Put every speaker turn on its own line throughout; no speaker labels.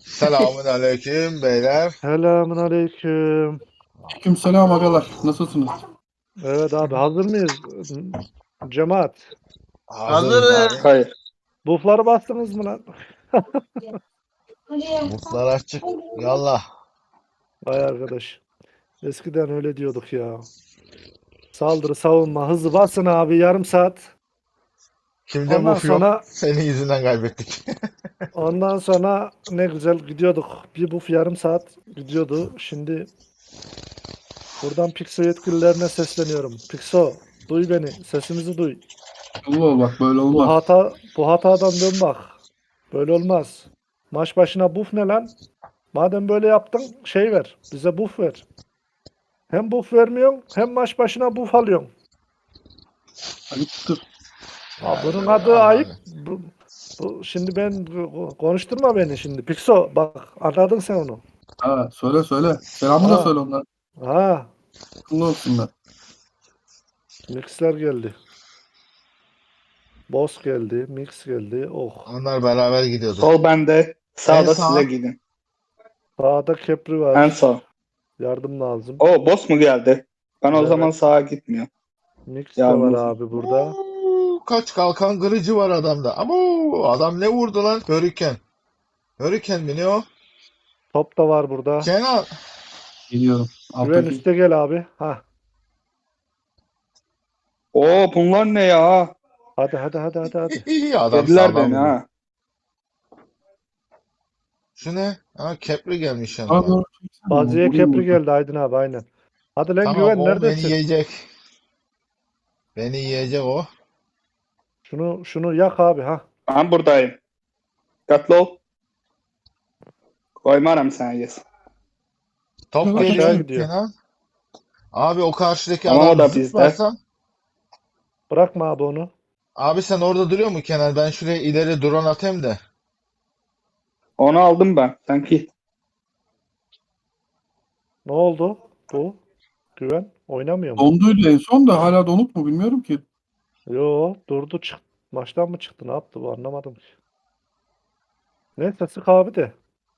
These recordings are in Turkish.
Selamun aleyküm beyler.
Selamun aleyküm.
Aleykümselam agalar. Nasılsınız?
Evet abi hazır mıyız? Cemaat.
Hazırız abi.
Hayır.
Buffları bastınız mı lan?
Mutlar açık. Yallah.
Vay arkadaş. Eskiden öyle diyorduk ya. Saldırı, savunma, hızlı basın abi yarım saat.
Kimde
Ondan
buf yok?
sonra
Senin yüzünden kaybettik.
ondan sonra ne güzel gidiyorduk. Bir buff yarım saat gidiyordu. Şimdi buradan Pixo yetkililerine sesleniyorum. Pixo, duy beni. Sesimizi duy.
Allah bak böyle
Bu
olmaz.
hatadan dön bak. Böyle olmaz. Maç başına buff ne lan? Madem böyle yaptın şey ver. Bize buff ver. Hem buff vermiyorsun hem maç başına buff alıyorsun.
Ayıptır.
Bunun adı ayıp. Şimdi konuşturma beni şimdi. Pixo bak anladın sen onu.
Ha, söyle. Selamı da
Ha.
söyle onlar.
Ha,
Akıllı olsunlar.
mixler geldi. Boss geldi, mix geldi. Oh.
Onlar beraber gidiyordu.
Sol bende. Sağda
En sağ.
size gidin.
Sağda Kepri
En
var.
sağ.
Yardım lazım.
O boss mu geldi? Ben o
Evet.
zaman sağa gitmiyorum.
Mix de var
Yalnız.
abi burada.
Kaç kalkan kırıcı var adamda. Ama adam ne vurdu lan? Hurricane. Hurricane mi ne o?
Top da var burada.
Kenan.
Geliyorum.
Güven
Alttaki.
üste gel abi. Ha.
Oo bunlar ne ya?
Hadi.
İyi adam
Dediler
sağlam
beni
vuruyor.
ha.
Şu ne? Ha Kepri gelmiş
Sağa
yanına.
doğru çeksene.
Baziye
Vurayım
Kepri
buradan.
geldi Aydın abi aynen. Hadi lan
Tamam
Güven
o beni
neredesin?
yiyecek. Beni yiyecek o.
Şunu yak abi ha.
Ben buradayım. Dikkatli ol. Koymarım sen yes.
Top
Aşağı
geliyor
gidiyor.
Kenan. Abi o karşıdaki
Ama o
adam
da bizde.
zıplarsa.
Bırakma abi onu.
Abi sen orada duruyor mu Kenan? Ben şuraya ileri drone atayım da.
Onu aldım ben. Sanki.
Ne oldu bu? Güven oynamıyor mu?
Donduydu en son da hala donuk mu bilmiyorum ki.
Yo durdu maçtan mı çıktı ne yaptı bu anlamadım ki. Neyse sık abi de.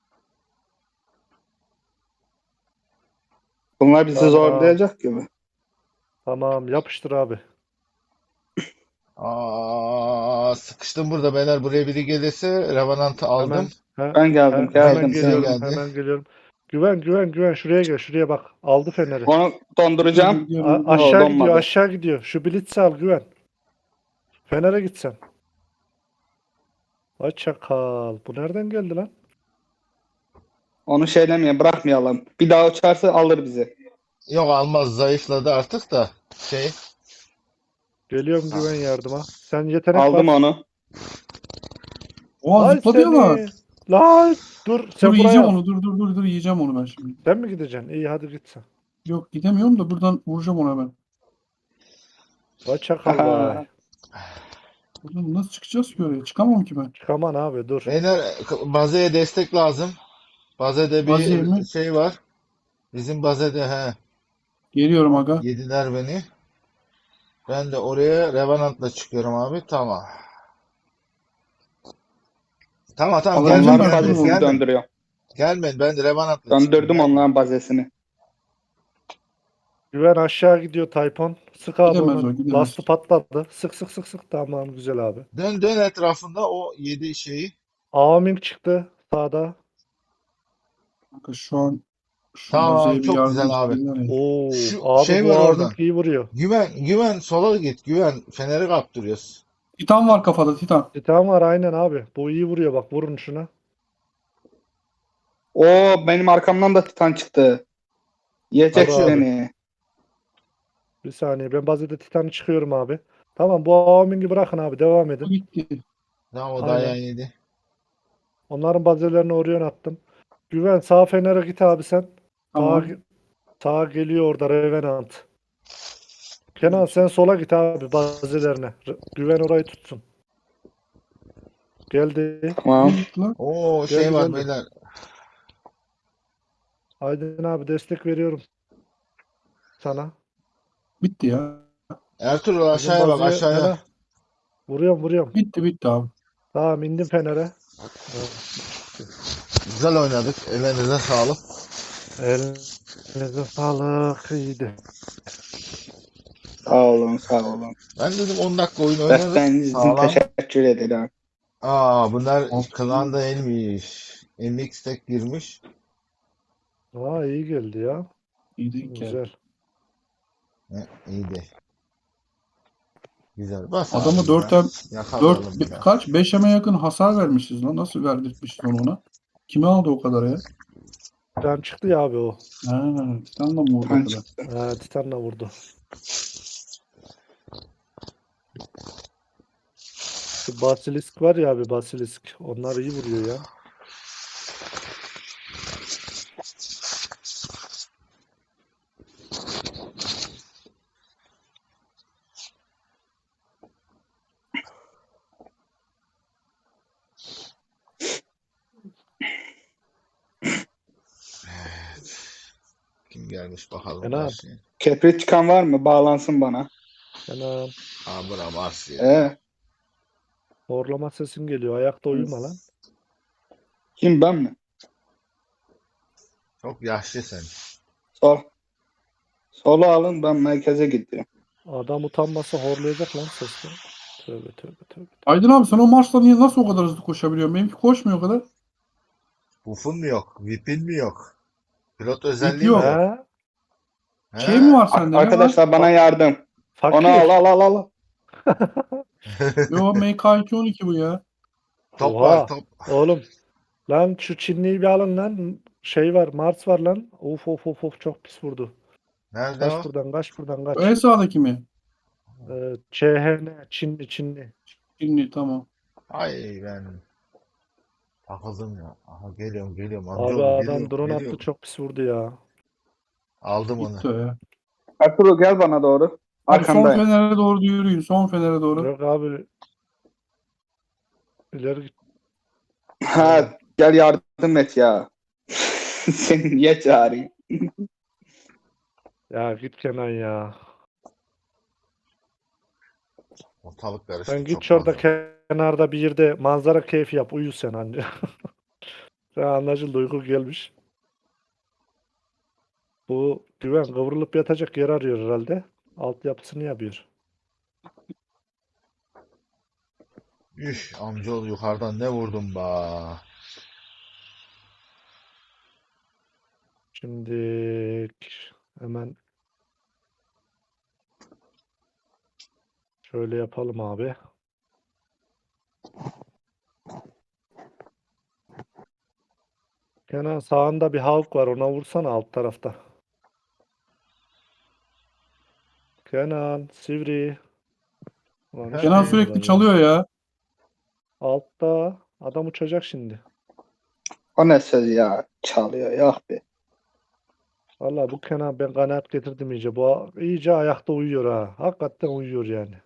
Bunlar bizi
Tamam.
zorlayacak gibi.
Tamam yapıştır abi.
Sıkıştım burada beyler. Buraya biri gelirse Revenant'ı aldım.
Ben geldim.
Hemen
Geldim.
geliyorum.
geldi.
Hemen geliyorum. Güven şuraya gel. Şuraya bak. Aldı feneri.
Onu donduracağım.
Gidiyorum.
Aşağı
donmadı.
gidiyor. Aşağı gidiyor. Şu Blitz'i al Güven. Fener'e gitsen. Ay çakal. Bu nereden geldi lan?
Onu şeylemeyin. Bırakmayalım. Bir daha uçarsa alır bizi.
Yok almaz. Zayıfladı artık da.
Geliyorum Güven yardıma. Sen yetenek
Aldım
bas.
onu.
Oha
Ay
zıpladı ama.
seni. Lan dur sen
Dur
buraya
yiyeceğim
al.
onu. Dur yiyeceğim onu ben şimdi.
Sen mi gideceksin? İyi hadi git sen.
Yok gidemiyorum da buradan vuracağım ona ben.
Vay çakal vay.
Buradan nasıl çıkacağız ki oraya? Çıkamam ki ben.
Çıkaman abi dur.
Beyler Baze'ye destek lazım. Baze'de
Baziye
bir
mi?
şey var. Bizim Baze'de
Geliyorum aga.
yediler beni. Ben de oraya Revenant'la çıkıyorum abi. Tamam. Tamam
Alacağım
gelmeyin
ben
Onların
bunu.
bazesini
gelmeyin.
döndürüyor.
Gelmeyin ben de Revenant'la
Döndürdüm
çıkıyorum.
onların bazesini.
Güven aşağı gidiyor Tayfon. Sık abi
Gidemez
onu.
o, gidemez.
Lastı patladı. Sık. Tamam güzel abi.
Dön etrafında o yedi şeyi.
Aming çıktı sağda.
Aga şu an şu
Tamam,
Baziye'ye bir
çok
yardım
güzel abi.
istedim ya.
Oo,
Şu
abi
şey
bu
var
Aming
oradan.
iyi vuruyor.
Güven sola git. Güven feneri kaptırıyoruz.
Titan var kafada Titan.
Titan var aynen abi. Bu iyi vuruyor bak vurun şuna.
O benim arkamdan da Titan çıktı. Yiyecek
Hadi abi.
beni.
Bir saniye ben bazede Titan'ı çıkıyorum abi. Tamam bu Aming'i bırakın abi devam
O
edin.
gitti.
Tamam o
Aynen.
dayağı yedi.
Onların bazelerini oraya attım. Güven sağ fenere git abi sen.
Tamam.
Sağa geliyor orada Revenant. Kenan sen sola git abi bazelerine. Güven orayı tutsun. Geldi.
Tamam.
Ne gitti lan?
Oo
Geldi,
var
geldi.
beyler.
Aydın abi destek veriyorum sana.
Bitti ya.
Ertuğrul
Bizim
aşağıya bak
bazıya-
aşağıya.
Fena. Vuruyorum.
Bitti abi.
Tamam indim fenere.
Güzel oynadık. Ellerinize sağlık.
Elinize sağlık. İyiydi.
Sağ olun, sağ olun.
Ben dedim 10 dakika oyun oynarız.
Desteğiniz için
Sağlam.
teşekkür ederim.
Bunlar
Aferin.
klanda elmiş. MX tek girmiş.
Aa, iyi geldi ya.
İyi denk geldi.
Güzel.
İyiydi. Güzel. Bas
Adamı
abi ya.
4'e
Yakalayalım bir daha.
kaç? 5'e yakın hasar vermişiz lan. Nasıl verdirtmişiz onu ona? Kime aldı o kadar ya?
Titan çıktı ya abi o.
Ha, Titan'la mı vurdu o
Kan
kadar?
çıktı.
Titan'la vurdu. Şu Basilisk var ya abi, Basilisk. Onlar iyi vuruyor ya.
Kim gelmiş bakalım
Kenan.
karşıya.
Kepri çıkan var mı? Bağlansın bana.
Kenan.
Bura Mars ya.
Horlama sesin geliyor. Ayakta uyuma lan.
Kim, ben mi?
Çok yaşlı sen.
Sol. Solu alın, ben merkeze gidiyorum.
Adam utanmasa horlayacak lan sesle. Tövbe tövbe tövbe.
Aydın abi sen o Mars'la niye nasıl o kadar hızlı koşabiliyorsun? Benimki koşmuyor o kadar.
Buff'un mu yok? VIP'in mi yok? Pilot
VIP
özelliği
yok.
mi yok?
He?
Şey mi
He?
var sende? Ne var?
Arkadaşlar bana yardım.
Fakir.
Onu al.
Yo MK212 bu ya.
Top var
Oha.
top.
Oğlum. Lan şu Çinliyi bir alın lan. Şey var. Mars var lan. Of of of of, çok pis vurdu.
Nerede o?
Kaç buradan, kaç buradan,
En
kaç.
sağdaki mi?
CHN. Çinli.
Şimdi tamam.
Ay ben takıldım ya. Aha geliyorum
Abi
amcaoğlu
adam drone attı,
geliyorum.
çok pis vurdu ya.
Aldım onu.
Gitti o ya.
Ertuğrul gel bana doğru.
Abi son
Arkandayım.
fenere doğru yürüyün. Son fenere doğru.
Yok abi. İleri git.
Ha, gel yardım et ya. Seni niye çağırayım?
Ya git Kenan ya.
Ortalık karıştı
Sen
çok
git şurada
fazla.
kenarda bir yerde manzara keyfi yap. Uyu sen anca. Sen anlaşıldı, uyku gelmiş. Bu güven kıvrılıp yatacak yer arıyor herhalde. Altyapısını yapıyor.
Amcaoğlu yukarıdan ne vurdun ba?
Şimdi hemen şöyle yapalım abi. Kenan sağında bir Hawk var, ona vursana alt tarafta. Kenan, Sivri. Ulan hiç
Kenan
Efendim?
duymuyorlar
sürekli
ya.
çalıyor ya.
Altta adam uçacak şimdi.
O ne söz ya? Çalıyor. Yok be.
Vallahi bu Kenan, ben kanaat getirdim iyice. Bu iyice ayakta uyuyor ha. Hakikaten uyuyor yani.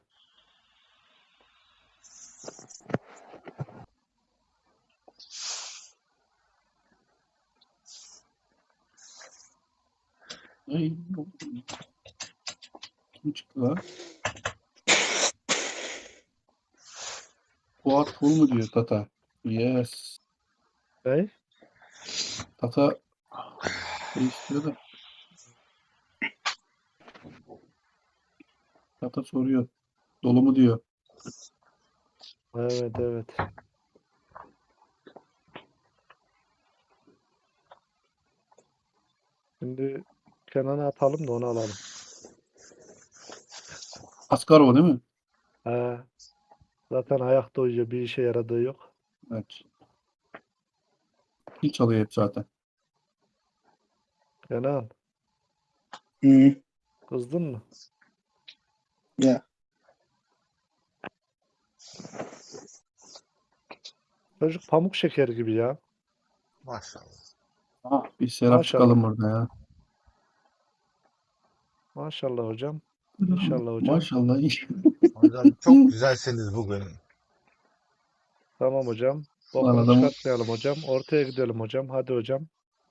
Ey, kim çıktı lan? Fuat full mu diyor Tata? Yes.
Hey?
Tata şey istiyor da. Tata soruyor. Dolu mu diyor.
Evet evet. Şimdi Kenan'ı atalım da onu alalım.
Askarov değil mi?
He. Zaten ayakta uyuyor. Bir işe yaradığı yok.
Evet. Kim çalıyor hep zaten.
Kenan,
Hı.
kızdın mı?
Ya.
Çocuk pamuk şeker gibi ya.
Maşallah.
Ah, bir Serap
Maşallah.
çıkalım burada ya.
Maşallah hocam. İnşallah hocam.
Maşallah.
Hocam çok güzelsiniz bugün.
Tamam hocam.
Lan
Bokunu
adamı
çıkartmayalım hocam. Ortaya gidelim hocam. Hadi hocam.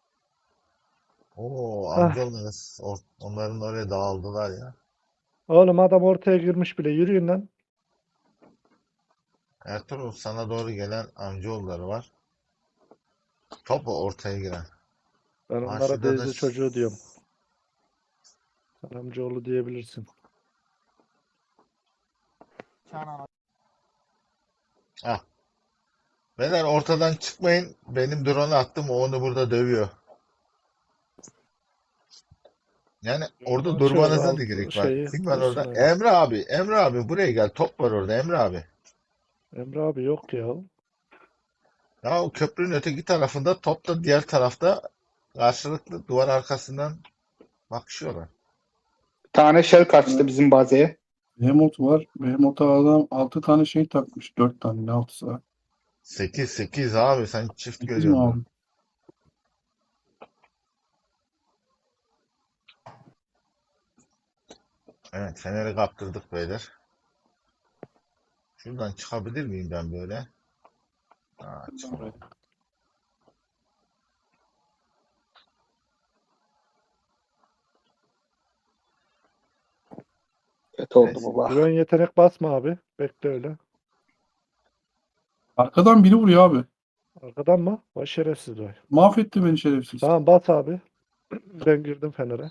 Hah.
Amcaoğlu onların oraya dağıldılar ya.
Oğlum adam ortaya girmiş bile. Yürüyün lan.
Ertuğrul sana doğru gelen amcaoğulları var. Top ortaya giren.
Ben
Ha,
onlara
şurada da
teyze çocuğu diyorum. Sen amcaoğlu diyebilirsin.
Ah. Beyler ortadan çıkmayın. Benim drone'u attım. O onu burada dövüyor. Yani orada
Açıyoruz
durmanıza da
alt
gerek var.
şeyi.
Kim var
Dursun
orada?
öyle.
Emre abi. Emre abi buraya gel. Top var orada Emre abi.
Emre abi yok ya.
Ya o köprünün öteki tarafında top da diğer tarafta karşılıklı duvar arkasından bakışıyorlar.
Bir tane shell kaçtı bizim bazeye.
Behemoth var. Behemoth'a adam 6 tane şey takmış. 4 tane ne 6'sı var?
8 abi sen çift
8 mi
görüyorsun.
abi?
Evet Fener'i kaptırdık beyler. Şuradan çıkabilir miyim ben böyle? Aa, çıkamam.
Kötü oldu
Neyse.
baba.
Güven yetenek basma abi. Bekle öyle.
Arkadan biri vuruyor abi.
Arkadan mı? Vay şerefsiz vay.
Mahvetti beni şerefsiz.
Tamam bas abi. Ben girdim Fener'e.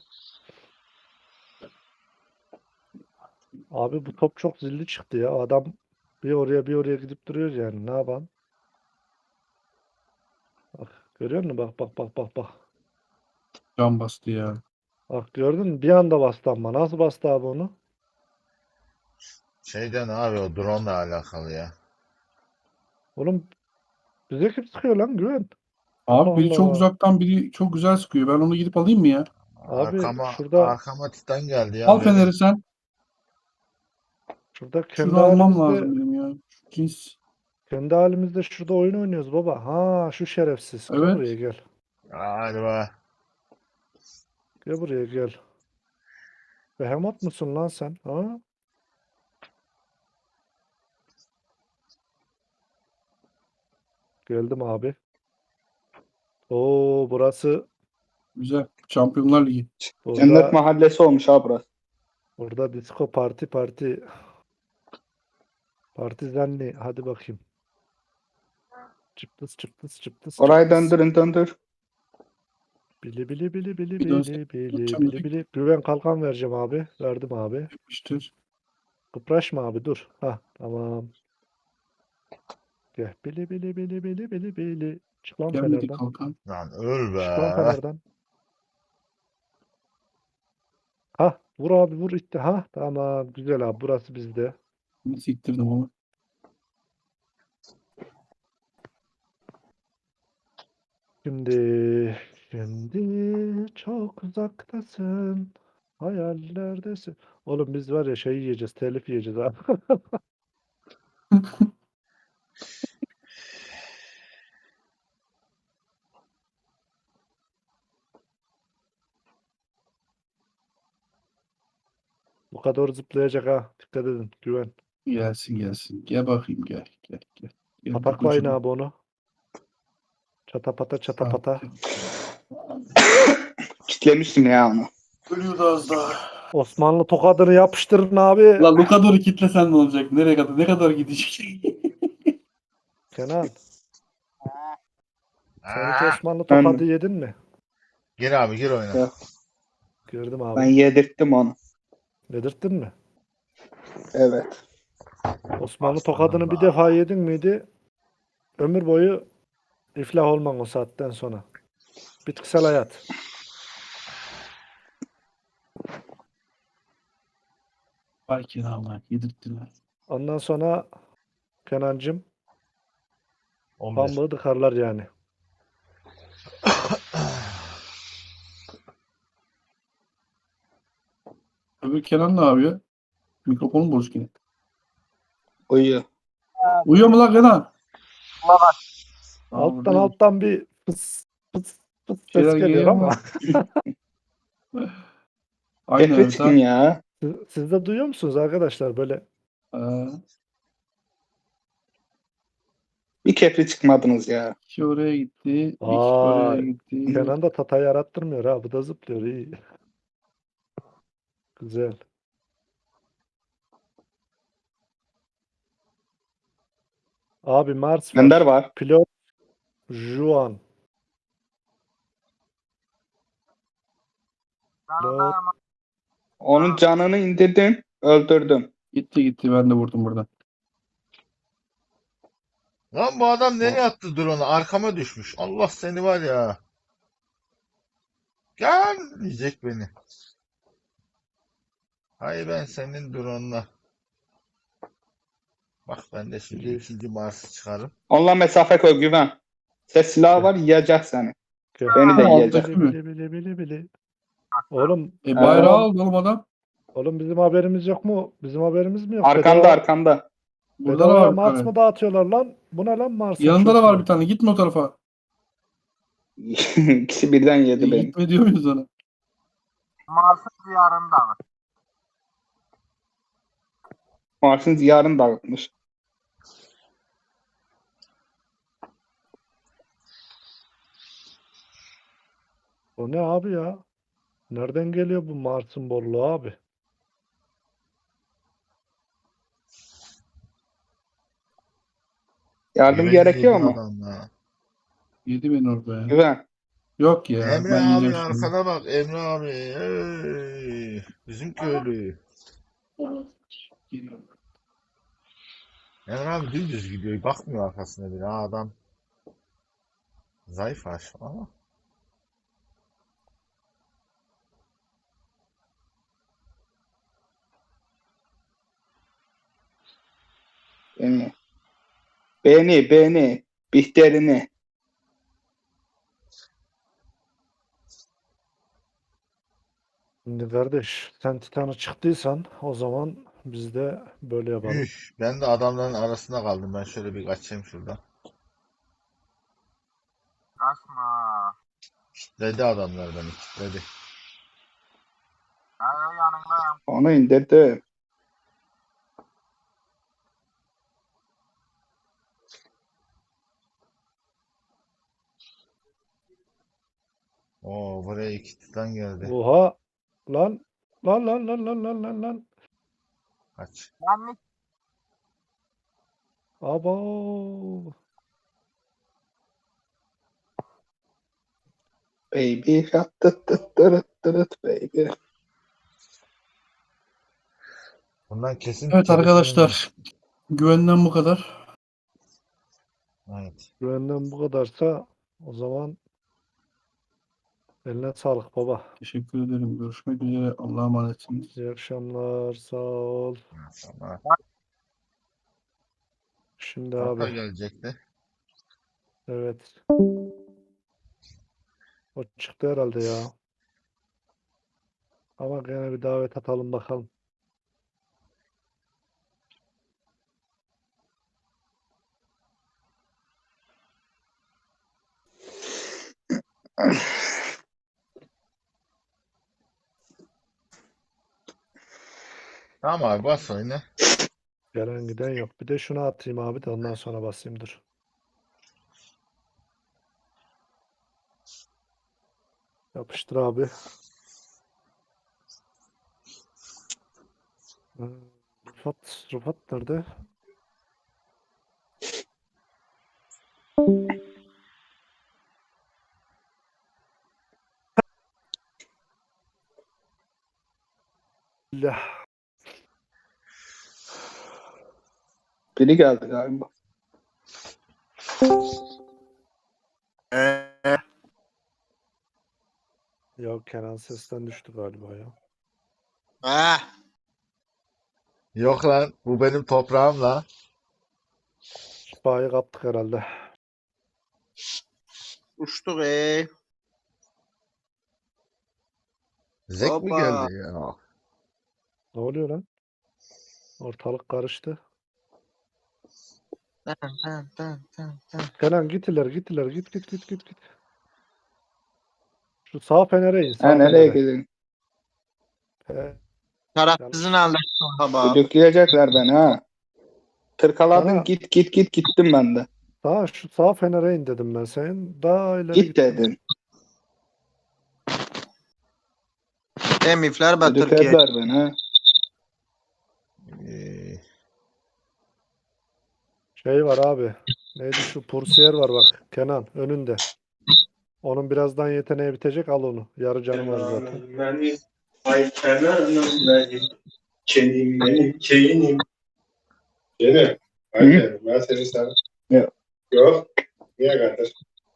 Abi bu top çok zilli çıktı ya. Adam bir oraya bir oraya gidip duruyor yani. Ne yapalım? Bak görüyor musun? Bak bak bak bak bak.
Can bastı ya.
Bak gördün mü? Bir anda bastı ama. Nasıl bastı abi onu?
Şeyden abi o drone ile alakalı ya.
Oğlum bize kim sıkıyor lan Güven?
Abi biri
Allah
çok
Allah.
uzaktan biri çok güzel sıkıyor. Ben onu gidip alayım mı ya?
Abi
Arkama
şurada
arkama Titan geldi
Al
ya benim.
Fener'i sen.
şurada
Şunu almam lazım benim ya. Şu cins.
kendi halimizde şurada oyun oynuyoruz baba. Ha şu şerefsiz. Gel buraya
Evet.
gel.
Galiba.
Gel buraya gel. Behemoth musun lan sen? Ha? Geldim abi. Oo burası
Güzel. Şampiyonlar Ligi.
Cennet
burada
mahallesi olmuş ha burası.
burada disco parti partizanli. Hadi bakayım. Çıptıs çıptıs çıptıs
Orayı
çıptıs.
döndürün döndür.
Bili bili bili bili
Bir dönsek
bili bili
tutacağım
bili
direkt.
bili. Güven kalkan vereceğim abi. Verdim abi.
Yapıştır.
Kıpraşma abi dur. Ha tamam. Gel. Bili bili bili bili bili bili. Çık lan
Gelmedi
Fener'den.
kalkan.
Lan öl
Çık lan
be.
Fener'den. Ha vur abi vur itti. Ha tamam güzel abi burası bizde.
Bunu siktirdim ama.
Şimdi şimdi çok uzaktasın. Hayallerdesin. Oğlum biz var ya şey yiyeceğiz. Telif yiyeceğiz abi. Bu kadar zıplayacak ha. Dikkat edin. Güven.
Gelsin gelsin. Gel bakayım gel. Gel gel. Gel bir
Pataklayın
kucuma.
abi onu. Çatapata çatapata.
Sakin.
Kitlemiştim ya onu.
Ölüyordu az daha.
Osmanlı tokadını yapıştırın abi.
Lan Lukadoru kitlesen ne olacak? Nereye kadar? Ne kadar gidecek?
Kenan. Sen hiç
Aa,
Osmanlı
Ben,
tokadı yedin mi?
gir abi gir oyuna.
ya,
Gördüm
ben
abi.
yedirttim onu.
Yedirttin mi?
Evet.
Osmanlı
Aslanım
tokadını
be.
bir defa yedin miydi? Ömür boyu iflah olman o saatten sonra. Bitkisel hayat.
Vay kenarlar. Yedirttiler.
Ondan sonra Kenancım
11.
pambuğu tıkarlar yani.
Öbür Kenan ne yapıyor? Mikrofonun bozuk yine.
Uyuyor.
Uyuyor mu lan Kenan? Aa,
Alttan
buradaymış.
alttan bir fıs fıs fıs
Bir
ses
şeyler
geliyor
geliyor
ama
ama. Aynı
Kefre
evet
çıkın
ha.
ya.
siz de duyuyor musunuz arkadaşlar böyle?
Aa,
Bir kefre çıkmadınız ya.
bir kişi oraya gitti. Bir kişi
Aa,
oraya gitti.
Kenan da tatayı yarattırmıyor ha. Bu da zıplıyor iyi. Güzel. Abi Mars
Ender
var.
var.
Pilot Juan. Lo-
Onun canını indirdim. Öldürdüm.
Gitti ben de vurdum buradan.
Lan bu adam nereye attı drone'u? Arkama düşmüş. Allah seni var ya. Gel diyecek beni. Hay ben senin drone'una. Bak ben de şimdi
Bili-
ikinci Mars'ı çıkarım.
Onunla mesafe koy güven. Ses silahı var yiyecek seni.
Gel.
Beni de
Aldı
yiyecek.
değil mi?
Bili. Oğlum,
Bayrağı
Ha.
aldı oğlum adam.
oğlum bizim haberimiz yok mu? Bizim haberimiz mi yok?
Arkanda arkanda.
Burada da
Bedavaya
var bir
Mars
tane.
mı dağıtıyorlar lan? Bu ne lan Mars'ın
Yanında da var
çöpü?
bir tane. Gitme o tarafa.
İkisi birden yedi beni.
Gitme diyor muyuz ona?
Mars'ın diyarını dağıtmış.
O ne abi ya? Nereden geliyor bu Mars'ın bolluğu abi?
Yardım
Güveni
gerekiyor
yedi
mu?
adam ya.
Yedi beni orada ya.
Güven.
Yok ya.
Emre
Ben
abi
yiyeceğim şimdi.
arkana bak Emre abi. Hey, bizim köylü. Emre abi dümdüz gidiyor. Bakmıyor arkasına bile. Ha, adam zayıf aş ama.
Beni. Beni. Bihter'ini.
Şimdi kardeş sen Titan'a çıktıysan o zaman biz de böyle yapalım.
Üf, ben de adamların arasında kaldım. Ben şöyle bir kaçayım şuradan. Kitledi adamlar beni. Kitledi.
Onu indirdim.
Oo buraya iki titan geldi.
Oha lan lan.
Kaç.
Abo.
Baby. Tıt baby.
Bundan kesin
Evet
telefonu.
arkadaşlar. Güvenden bu kadar.
Evet.
Güvenden bu kadarsa o zaman eline sağlık baba.
Teşekkür ederim. Görüşmek üzere. Allah'a emanetsiniz.
İyi akşamlar sağ ol.
Sonra
Şimdi
arka
abi
gelecekti.
evet o çıktı herhalde ya. Ama gene bir davet atalım bakalım.
Tamam abi bas oyunu.
Gelen giden yok. Bir de şunu atayım abi de ondan sonra basayım dur. Yapıştır abi. Rıfat nerede? Allah.
Biri geldi galiba.
Ya Kenan sesten düştü galiba ya.
Yok lan bu benim toprağım la.
Şifayı kaptık herhalde.
Uçtuk
Zek mi
Hoppa.
geldi ya?
Ne oluyor lan? Ortalık karıştı. Kenan git ileri git. Şu sağ fenere in
Ha
sağ
nereye
fenere.
gidin?
Taraf
Yanlış.
sizin aldı baba.
Düdükleyecekler beni ha. Tırkaladım
Sana-
gittim ben de.
Şu sağ fenere in dedim ben senin. Daha ileri
Git
gittin.
dedin.
Emifler Türkiye.
Düdüklediler beni ha.
Ee,
Şey var abi. Neydi şu Pursiyer var bak. Kenan önünde. Onun birazdan yeteneği bitecek. Al onu. Yarı canı var zaten.
Benim, ay kenarım benim, kenim. Yine,
Hı?
ben seni sen.
Yok.
Yok. Niye kardeş?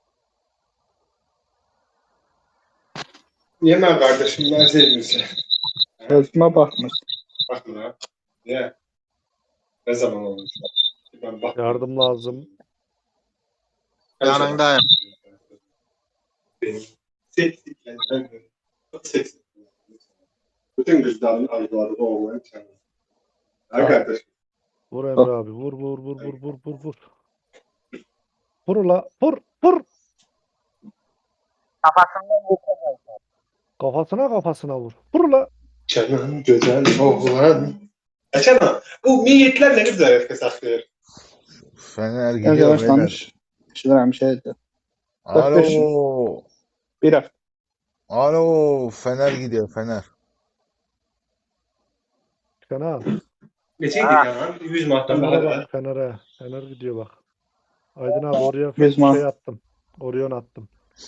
Yeme kardeşim, ben sevdim seni.
Sözüme bakmış.
Bakma ha. Niye? Ne zaman olmuş? Ben bakmıyorum.
Yardım lazım.
Yanındayım. Benim seksliklerden çok seksik. Bütün kızların arzuları olmayan sen. Ha kardeşim.
Vur Emre abi. Vur vur vur vur vur vur vur. Vur ula. Vur vur. Kafasına vur. Vur ula.
Canım güzel oğlan. Açana. Bu milliyetler ne güzel herkes saklıyor.
Fener
Ben
gidiyor beyler.
yavaşlamış. Şuradan bir şey dedi.
Alo.
Bir hafta.
Alo. Fener gidiyor Fener.
Kenan.
Geçen gün ya. 100 mahtan
Fener'e
bahar.
bak Fener'e. Fener gidiyor bak. Aydın abi oraya
Gözüme.
şey attım. Orion attım.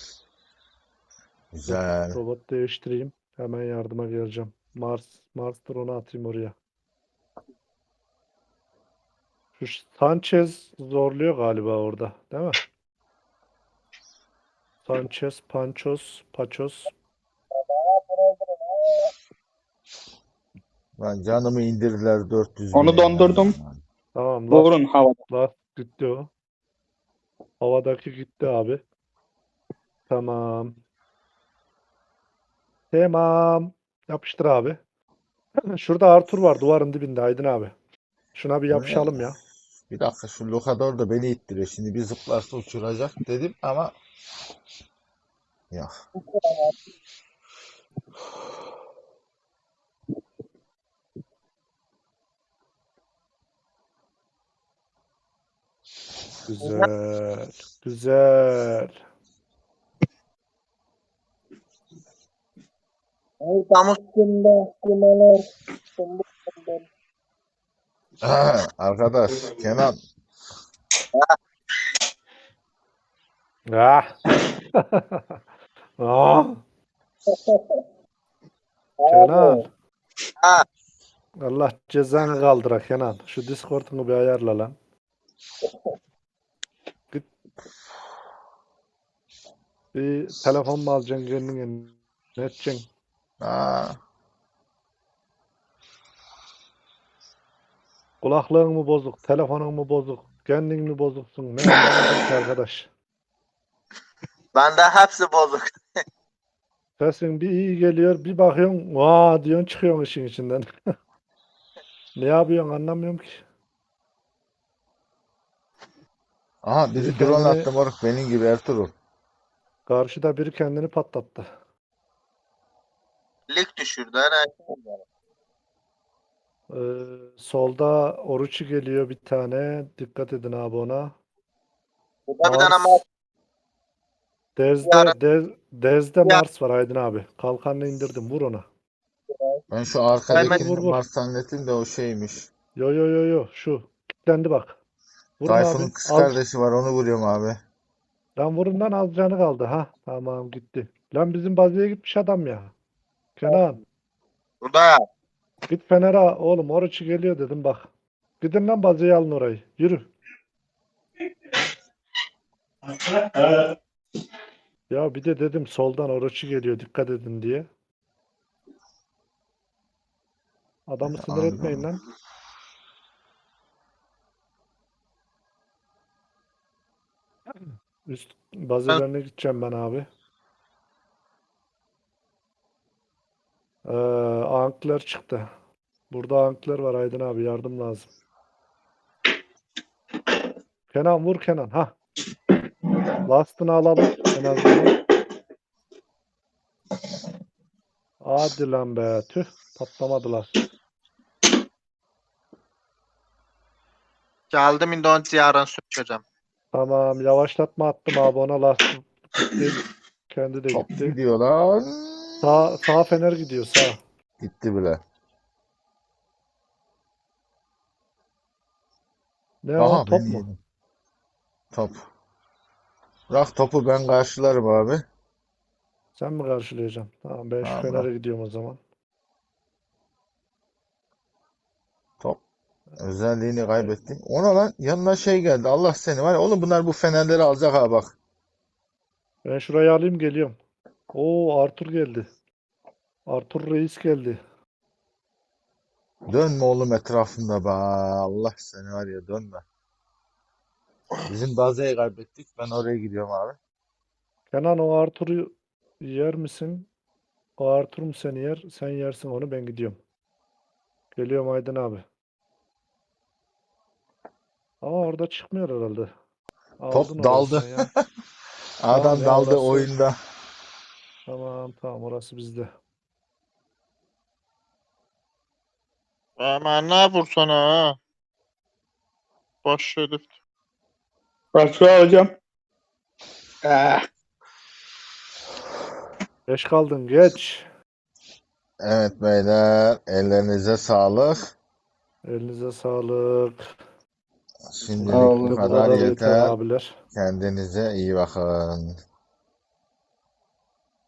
Güzel.
Robot değiştireyim. Hemen yardıma geleceğim. Mars'tır onu atayım oraya. Şu Sanchez zorluyor galiba orada. Değil mi? Sanchez, Paços.
Ben canımı indirdiler 400
Onu
bine ya.
dondurdum.
Tamam
Vurun havada.
last gitti o. Havadaki gitti abi. Tamam. Tamam. Yapıştır abi. Şurada Arthur var duvarın dibinde Aydın abi. Şuna bir yapışalım ya.
Bir dakika şu lokador da beni ittiriyor. Şimdi bir zıplarsa uçuracak dedim ama yok.
Güzel. Güzel.
Arkadaş Kenan
Ah. Ah. Kenan. Allah cezanı kaldıra Kenan. Şu Discord'unu bir ayarla lan. Git bir telefon mu alacaksın kendine? Ne edeceksin?
aa,
Kulaklığın mı bozuk? Telefonun mu bozuk? Kendin mi bozuksun? Ne anlamadım ki arkadaş.
Bende hepsi bozuk.
Sesin bir iyi geliyor, bir bakıyorsun, vaa diyorsun çıkıyorsun işin içinden. Ne yapıyorsun anlamıyorum ki.
aha
Biri
biri drone
kendini,
attı moruk benim gibi Ertuğrul.
karşıda biri kendini patlattı.
Lig düşürdü. Hani
Solda Oruç'u geliyor bir tane. Dikkat edin abi ona.
burada bir tane
Mars.
Yarın-
Dez'de Mars var Aydın abi. Kalkanını indirdim. Vur ona.
Ben şu
Vur
arkadakini
vur vur.
Mars zannettim de o şeymiş.
Yo yo yo yo. Şu. Kilitlendi bak. Vurun
Tayfun'un
abi.
kız
Al.
kardeşi var onu vuruyorum abi.
Lan vurun lan az canı kaldı. Ha tamam gitti. Lan bizim bazıya gitmiş adam ya. Kenan.
burada
Git Fener'e oğlum. Oruç'u geliyor dedim bak. Gidin lan bazıyı alın orayı. Yürü. Ya bir de dedim soldan Oruç'u geliyor. Dikkat edin diye. Adamı sinir etmeyin lan. Üst bazelerine gideceğim ben abi. Ankler çıktı. Burada ankler var Aydın abi yardım lazım. Kenan vur Kenan. Ha. Last'ını alalım en azından. Hadi lan be. Tüh. Patlamadı last.
geldim İndonezya yarın sürüşeceğim.
Tamam yavaşlatma attım abi ona last gitti. Kendi de
Top
gitti.
gidiyor lan.
Sağ fener gidiyor sağ.
Gitti bile.
Ne
Aha
o top
beni
mu?
yedim. Top. Bırak topu ben karşılarım abi.
Sen mi karşılayacaksın? Tamam, ben şu
Tamam,
Fener'e
bırak.
gidiyorum o zaman.
Top özelliğini kaybettim. Ona lan yanına şey geldi. Allah seni var ya oğlum bunlar bu fenerleri alacak ha bak.
Ben şurayı alayım, geliyorum. Oo, Arthur geldi. Arthur Reis geldi.
Dönme oğlum etrafında be. Allah seni var ya dönme. Bizim bazeyi kaybettik. Ben oraya gidiyorum abi.
Kenan, o Arthur'u yer misin? O Arthur mu seni yer? Sen yersin onu, ben gidiyorum. Geliyorum Aydın abi. Ama orada çıkmıyor herhalde.
Top
Aldın orayı
daldı.
sen ya. Tamam
Adam
ya,
daldı
orası.
oyunda.
Tamam, orası bizde.
Ama ne yapırsan ha? Boş herif.
Başka hocam. Ah,
Geç kaldın, geç.
Evet beyler ellerinize sağlık.
Elinize sağlık.
Şimdilik bu
Sağ
Bugünlük bu
kadar
kadar yeter
yeter.
abiler.
Kendinize iyi bakın.